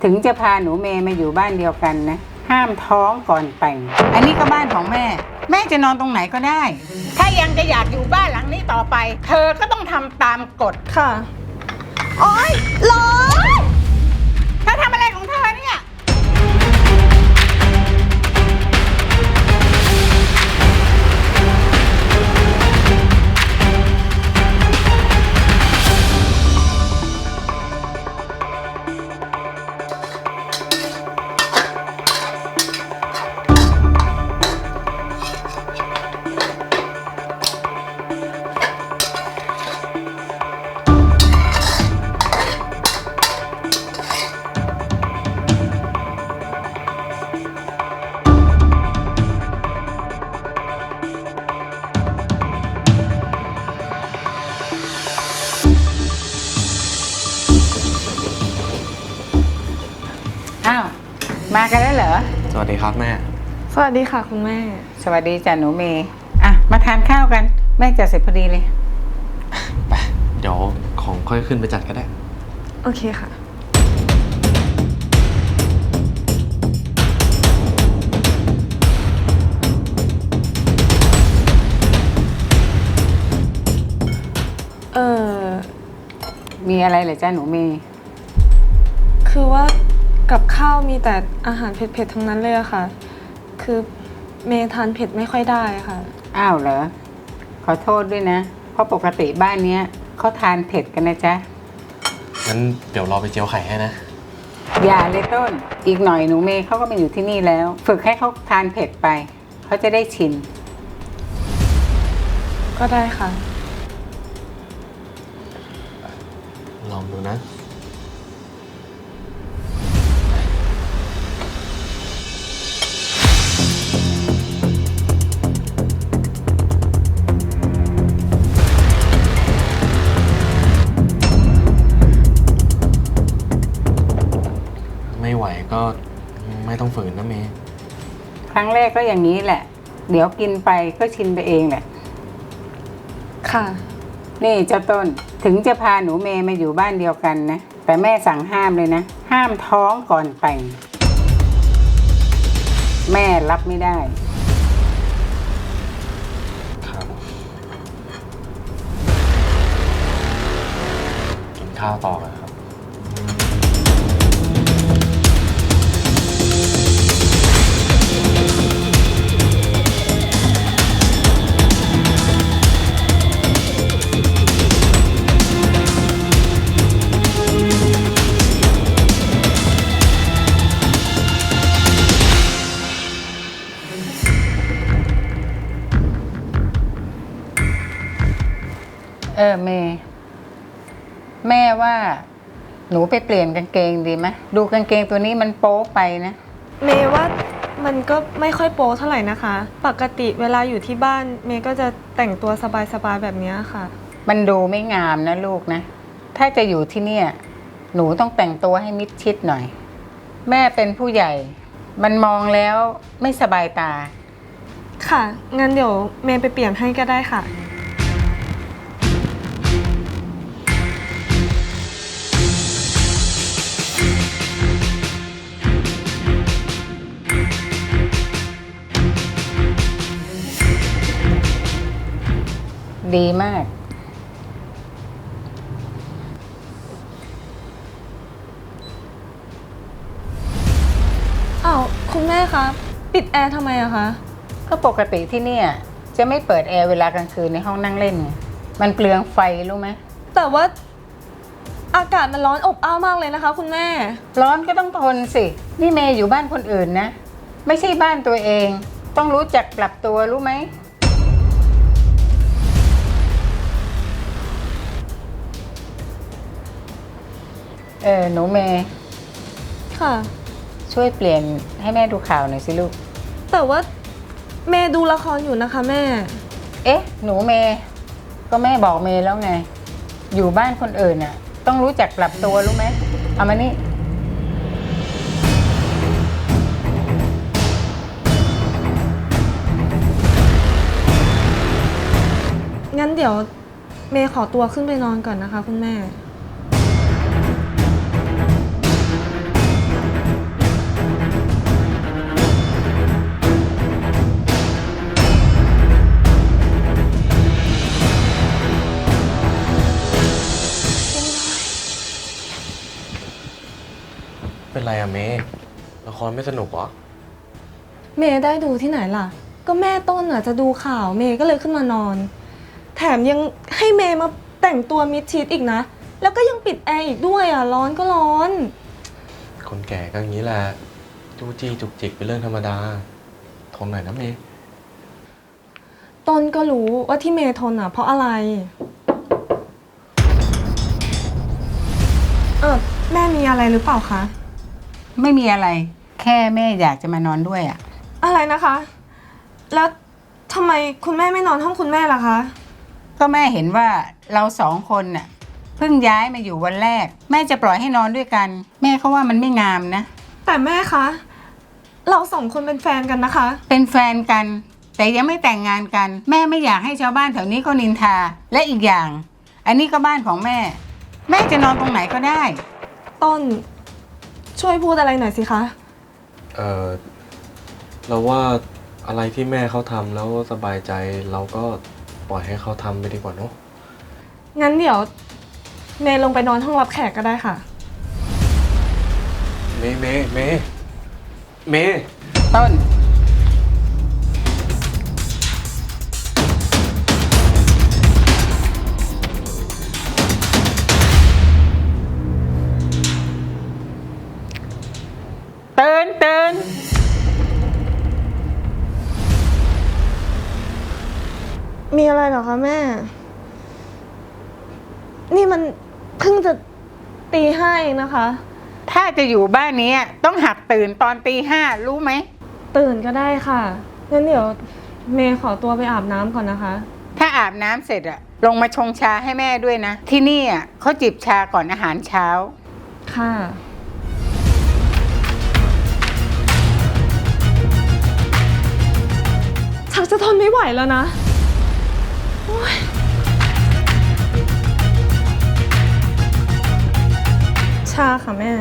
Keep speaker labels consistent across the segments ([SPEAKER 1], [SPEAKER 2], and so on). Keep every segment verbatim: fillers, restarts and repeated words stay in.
[SPEAKER 1] ถึงจะพาหนูเมย์มาอยู่บ้านเดียวกันนะห้ามท้องก่อนแต่งอันนี้ก็บ้านของแม่แม่จะนอนตรงไหนก็ได้ถ้ายังจะอยากอยู่บ้านหลังนี้ต่อไปเธอก็ต้องทำตามกฎ
[SPEAKER 2] ค่ะโอ๊ยร้อน
[SPEAKER 1] เธอทำอะไรของเธอเนี่ยอ้าวมากันแล้วเหรอ
[SPEAKER 3] สวัสดีครับแม่
[SPEAKER 2] สวัสดีค่ะคุณแม่
[SPEAKER 1] สวัสดีจ้ะหนูเมย์อ่ะมาทานข้าวกันแม่จะเสร็จพอดีเลย
[SPEAKER 3] ไปเดี๋ยวของค่อยขึ้นไปจัดก็ได้
[SPEAKER 2] โอเคค่ะเออ
[SPEAKER 1] มีอะไรเหรอจ้ะหนูเมย์
[SPEAKER 2] คือว่ากับข้าวมีแต่อาหารเผ็ดๆทั้งนั้นเลยอะค่ะคือเมย์ทานเผ็ดไม่ค่อยได้ค่ะ
[SPEAKER 1] อ้าวเหรอขอโทษด้วยนะเพราะปกติบ้านเนี้ยเขาทานเผ็ดกันนะจ๊ะ
[SPEAKER 3] งั้นเดี๋ยวรอไปเจียวไข่ให้นะ
[SPEAKER 1] อย่าเลยต้นอีกหน่อยหนูเมย์เขาก็มาอยู่ที่นี่แล้วฝึกให้เขาทานเผ็ดไปเขาจะได้ชิน
[SPEAKER 2] ก็ได้ค่ะ
[SPEAKER 3] ลองดูนะไม่ไหวก็ไม่ต้องฝืนนะเมย์
[SPEAKER 1] ครั้งแรกก็อย่างนี้แหละเดี๋ยวกินไปก็ชินไปเองแหละ
[SPEAKER 2] ค่ะ
[SPEAKER 1] นี่เจ้าต้นถึงจะพาหนูเมย์มาอยู่บ้านเดียวกันนะแต่แม่สั่งห้ามเลยนะห้ามท้องก่อนแต่งแม่รับไม่ได้
[SPEAKER 3] ครับกินข้าวต่อกันครับ
[SPEAKER 1] เออเมย์แม่ว่าหนูไปเปลี่ยนกางเกงดีไหมดูกางเกงตัวนี้มันโป๊ไปนะ
[SPEAKER 2] เมย์ว่ามันก็ไม่ค่อยโป๊เท่าไหร่นะคะปกติเวลาอยู่ที่บ้านเมย์ก็จะแต่งตัวสบายๆแบบนี้ค่ะ
[SPEAKER 1] มันดูไม่งามนะลูกนะถ้าจะอยู่ที่เนี่ยหนูต้องแต่งตัวให้มิดชิดหน่อยแม่เป็นผู้ใหญ่มันมองแล้วไม่สบายตา
[SPEAKER 2] ค่ะงั้นเดี๋ยวเมย์ไปเปลี่ยนให้ก็ได้ค่ะ
[SPEAKER 1] ดีมาก
[SPEAKER 2] อ้าวคุณแม่คะปิดแอร์ทำไมอะคะ
[SPEAKER 1] ก็ปกติที่เนี่ยจะไม่เปิดแอร์เวลากลางคืนในห้องนั่งเล่นไงมันเปลืองไฟรู้ไหม
[SPEAKER 2] แต่ว่าอากาศมันร้อนอบอ้าวมากเลยนะคะคุณแม่
[SPEAKER 1] ร้อนก็ต้องทนสินี่เมย์อยู่บ้านคนอื่นนะไม่ใช่บ้านตัวเองต้องรู้จักปรับตัวรู้ไหมเออหนูเมย์
[SPEAKER 2] ค่ะ
[SPEAKER 1] ช่วยเปลี่ยนให้แม่ดูข่าวหน่อยสิลูก
[SPEAKER 2] แต่ว่าเมย์ดูละครอยู่นะคะแม่
[SPEAKER 1] เอ๊ะหนูเมย์ก็แม่บอกเมย์แล้วไงอยู่บ้านคนอื่นน่ะต้องรู้จักปรับตัวรู้ไหมเอามานี่
[SPEAKER 2] งั้นเดี๋ยวเมย์ขอตัวขึ้นไปนอนก่อนนะคะคุณแม่
[SPEAKER 3] เป็นไรอะเมย์ละครไม่สนุกเหรอ
[SPEAKER 2] เมย์ได้ดูที่ไหนล่ะ ก็แม่ต้นอ่ะจะดูข่าวเมย์ก็เลยขึ้นมานอน แถมยังให้เมย์มาแต่งตัวมิดชิดอีกนะ แล้วก็ยังปิดแอร์อีกด้วยอ่ะร้อนก็ร้อน
[SPEAKER 3] คนแก่ก็อย่างนี้แหละจู้จี้จุกจิกเป็นเรื่องธรรมดาทนหน่อยนะเมย์
[SPEAKER 2] ต้นก็รู้ว่าที่เมย์ทนอ่ะเพราะอะไรเออแม่มีอะไรหรือเปล่าคะ
[SPEAKER 1] ไม่มีอะไร แค่แม่อยากจะมานอนด้วยอะ
[SPEAKER 2] อะไรนะคะ แล้วทำไมคุณแม่ไม่นอนห้องคุณแม่ล่ะคะ
[SPEAKER 1] ก็แม่เห็นว่าเราสองคนน่ะเพิ่งย้ายมาอยู่วันแรก แม่จะปล่อยให้นอนด้วยกัน แม่เขาว่ามันไม่งามนะ
[SPEAKER 2] แต่แม่คะเราสองคนเป็นแฟนกันนะคะ
[SPEAKER 1] เป็นแฟนกัน แต่ยังไม่แต่งงานกัน แม่ไม่อยากให้ชาวบ้านแถวนี้เขานินทา และอีกอย่าง อันนี้ก็บ้านของแม่ แม่จะนอนตรงไหนก็ได้
[SPEAKER 2] ต้นช่วยพูดอะไรหน่อยสิคะ
[SPEAKER 3] เออเราว่าอะไรที่แม่เขาทำแล้วสบายใจเราก็ปล่อยให้เขาทำไปดีกว่าเนอะ
[SPEAKER 2] งั้นเดี๋ยวเมย์ลงไปนอนห้องรับแขกก็ได้ค่ะ
[SPEAKER 3] เมย์เมย์เมย์เมย์
[SPEAKER 1] ต้น ตื่นตื่น
[SPEAKER 2] มีอะไรเหรอคะแม่ นี่มันเพิ่งจะตีห้าเองนะคะ
[SPEAKER 1] ถ้าจะอยู่บ้านนี้ต้องหัดตื่นตอนตีห้ารู้ไหม
[SPEAKER 2] ตื่นก็ได้ค่ะ งั้นเดี๋ยวเมย์ขอตัวไปอาบน้ำก่อนนะคะ
[SPEAKER 1] ถ้าอาบน้ำเสร็จอะลงมาชงชาให้แม่ด้วยนะ ที่นี่อะเขาจิบชาก่อนอาหารเช้า
[SPEAKER 2] ค่ะ ชักจะทนไม่ไหวแล้วนะโอ๊ยชาค่ะแม่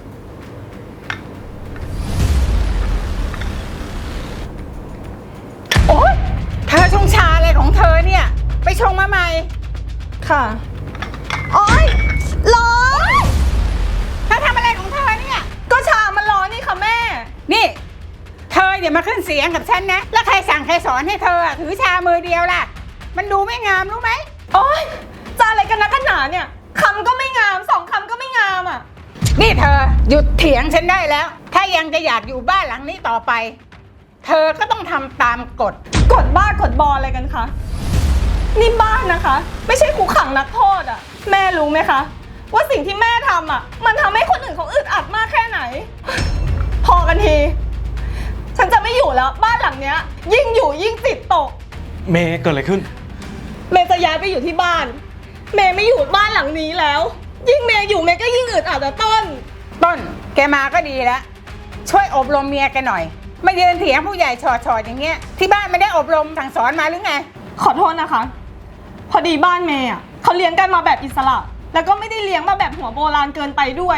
[SPEAKER 1] โอ๊ยเธอชงชาอะไรของเธอเนี่ย ไปชงมาใหม่
[SPEAKER 2] ค่ะ โอ๊ยร้อน
[SPEAKER 1] เธอทำอะไรของเธอเนี่ย
[SPEAKER 2] ก็ชามันร้อนนี่ค่ะแม่
[SPEAKER 1] นี่ เธออย่ามาขึ้นเสียงกับฉันนะ แล้วใครสั่งใครสอนให้เธออะถือชามือเดียวล่ะ มันดูไม่งามรู้ไหม
[SPEAKER 2] โอ๊ยจะอะไรกันนะกันหนาเนี่ยคำก็ไม่งามสองคำก็ไม่งามอ่ะ
[SPEAKER 1] นี่เธอหยุดเถียงฉันได้แล้ว ถ้ายังจะอยากอยู่บ้านหลังนี้ต่อไป เธอก็ต้องทำตามกฎ
[SPEAKER 2] กดบ้ากดบออะไรกันคะ นี่บ้านนะคะ ไม่ใช่คุกขังนักโทษอ่ะ แม่รู้ไหมคะ ว่าสิ่งที่แม่ทำอ่ะ มันทำให้คนอื่นเขาอึดอัดมากแค่ไหน พอกันที ฉันจะไม่อยู่แล้วบ้านหลังเนี้ย ยิ่งอยู่ยิ่งติดตก
[SPEAKER 3] เมย์เกิดอะไรขึ้น
[SPEAKER 2] เมย์จะย้ายไปอยู่ที่บ้าน เมย์ไม่อยู่บ้านหลังนี้แล้ว ยิ่งเมย์อยู่เมย์ก็ยิ่งอึดอัดอะต้น
[SPEAKER 1] ต้น แกมาก็ดีแล้ว ช่วยอบรมเมียแกหน่อยมายืนเถียงผู้ใหญ่ชอดๆอย่างเงี้ย ที่บ้านไม่ได้อบรมสั่งสอนมาหรือไง
[SPEAKER 2] ขอโทษนะคะ พอดีบ้านเมย์อ่ะเขาเลี้ยงกันมาแบบอิสระ แล้วก็ไม่ได้เลี้ยงมาแบบหัวโบราณเกินไปด้วย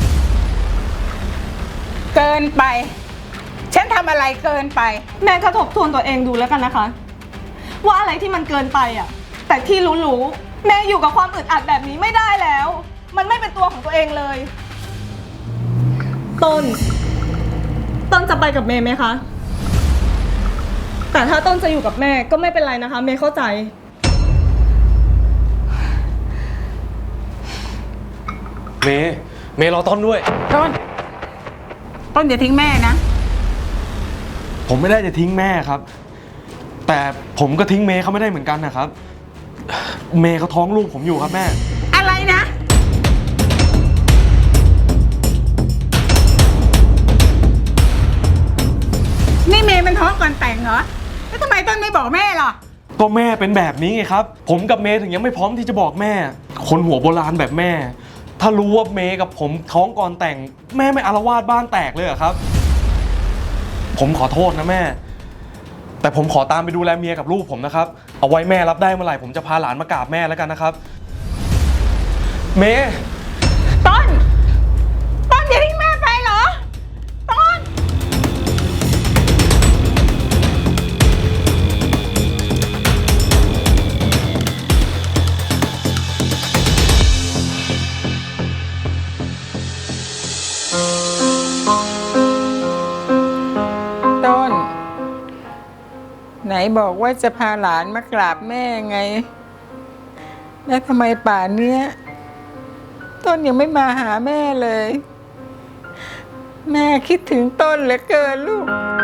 [SPEAKER 1] เกินไป ฉันทำอะไรเกินไป
[SPEAKER 2] แม่ก็ทบทวนตัวเองดูแล้วกันนะคะ ว่าอะไรที่มันเกินไปอ่ะ แต่ที่รู้ๆแม่อยู่กับความอึดอัดแบบนี้ไม่ได้แล้ว มันไม่เป็นตัวของตัวเองเลย ต้น ต้นจะไปกับเมย์ไหมคะ แต่ถ้าต้นจะอยู่กับแม่ก็ไม่เป็นไรนะคะ เมย์เข้าใจ
[SPEAKER 3] เมย์เมย์รอต้นด้วย
[SPEAKER 1] ต้น ต้นอย่าทิ้งแม่นะ
[SPEAKER 3] ผมไม่ได้จะทิ้งแม่ครับ แต่ผมก็ทิ้งเมย์เขาไม่ได้เหมือนกันนะครับ เมย์เขาท้องลูกผมอยู่ครับแม่
[SPEAKER 1] อะไรนะ นี่เมย์มันท้องก่อนแต่งเหรอ แล้วทำไมต้นไม่บอกแม่ล่ะ
[SPEAKER 3] ก็แม่เป็นแบบนี้ไงครับ ผมกับเมย์ถึงยังไม่พร้อมที่จะบอกแม่ คนหัวโบราณแบบแม่ ถ้ารู้ว่าเมย์กับผมท้องก่อนแต่ง แม่ไม่อาละวาดบ้านแตกเลยเหรอครับ ผมขอโทษนะแม่ แต่ผมขอตามไปดูแลเมียกับลูกผมนะครับ เอาไว้แม่รับได้เมื่อไหร่ผมจะพาหลานมากราบแม่แล้วกันนะครับ เมย์
[SPEAKER 1] ต้น ต้นอย่าทิ้งแม่ไปเหรอ ต้น
[SPEAKER 2] เ
[SPEAKER 1] บอกว่าจะพาหลานมากราบแม่ไง แล้วทำไมป่านเนี้ยต้นยังไม่มาหาแม่เลย แม่คิดถึงต้นเหลือเกินลูก